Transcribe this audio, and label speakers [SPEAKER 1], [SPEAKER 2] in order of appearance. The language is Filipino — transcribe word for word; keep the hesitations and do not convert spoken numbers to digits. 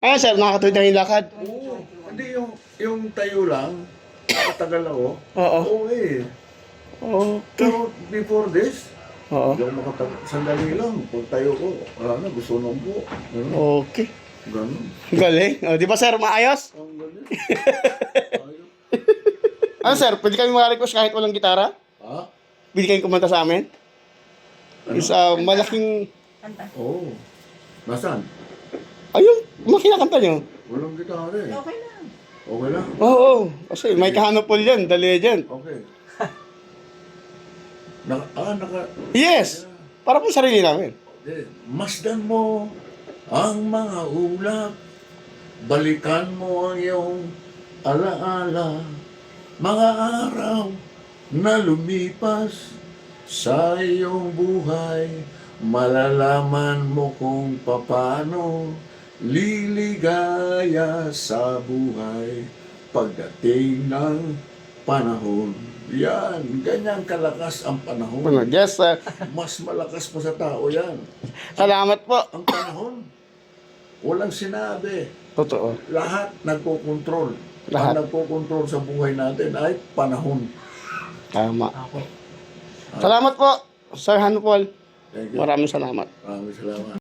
[SPEAKER 1] Ano sir, nakakatuwid na yung lakad?
[SPEAKER 2] Oo. Hindi yung, yung tayo lang, nakatagal ako.
[SPEAKER 1] Oo.
[SPEAKER 2] Oo eh.
[SPEAKER 1] Okay.
[SPEAKER 2] Pero before this,
[SPEAKER 1] Oo.
[SPEAKER 2] hindi ako makatagal. Sandali lang. Pag tayo ko, wala na, gusto nang po. Ganun.
[SPEAKER 1] Okay.
[SPEAKER 2] Ganun.
[SPEAKER 1] Galing. O, di ba sir, maayos?
[SPEAKER 2] Ang galing. Ayun.
[SPEAKER 1] Ano sir, pwede kami makarequest kahit walang gitara?
[SPEAKER 2] Ha?
[SPEAKER 1] Pwede kayong kumanta sa amin?
[SPEAKER 2] Ano?
[SPEAKER 1] Isa malaking...
[SPEAKER 2] Oo. Nasaan?
[SPEAKER 1] Ayun, makinakanta nyo.
[SPEAKER 2] Walang gitara eh.
[SPEAKER 3] Okay lang.
[SPEAKER 2] Okay lang?
[SPEAKER 1] Oo, kasi may kahanapol yan, the legend.
[SPEAKER 2] Okay. Naka, ah, naka...
[SPEAKER 1] Yes! Para po sarili namin.
[SPEAKER 2] Eh, masdan mo ang mga ulap, balikan mo ang iyong alaala, mga araw na lumipas sa iyong buhay, malalaman mo kung paano liligaya sa buhay pagdating ng panahon. Yan, ganyan kalakas ang panahon.
[SPEAKER 1] Yes, sir.
[SPEAKER 2] Mas malakas pa sa tao yan.
[SPEAKER 1] Salamat po.
[SPEAKER 2] Ang panahon, walang sinabi.
[SPEAKER 1] Totoo.
[SPEAKER 2] Lahat nagkokontrol.
[SPEAKER 1] Lahat.
[SPEAKER 2] Ang nagkokontrol sa buhay natin ay panahon.
[SPEAKER 1] Tama. Salamat po, Sir Hanupol.
[SPEAKER 2] Thank you.
[SPEAKER 1] Maraming salamat.
[SPEAKER 2] Maraming salamat.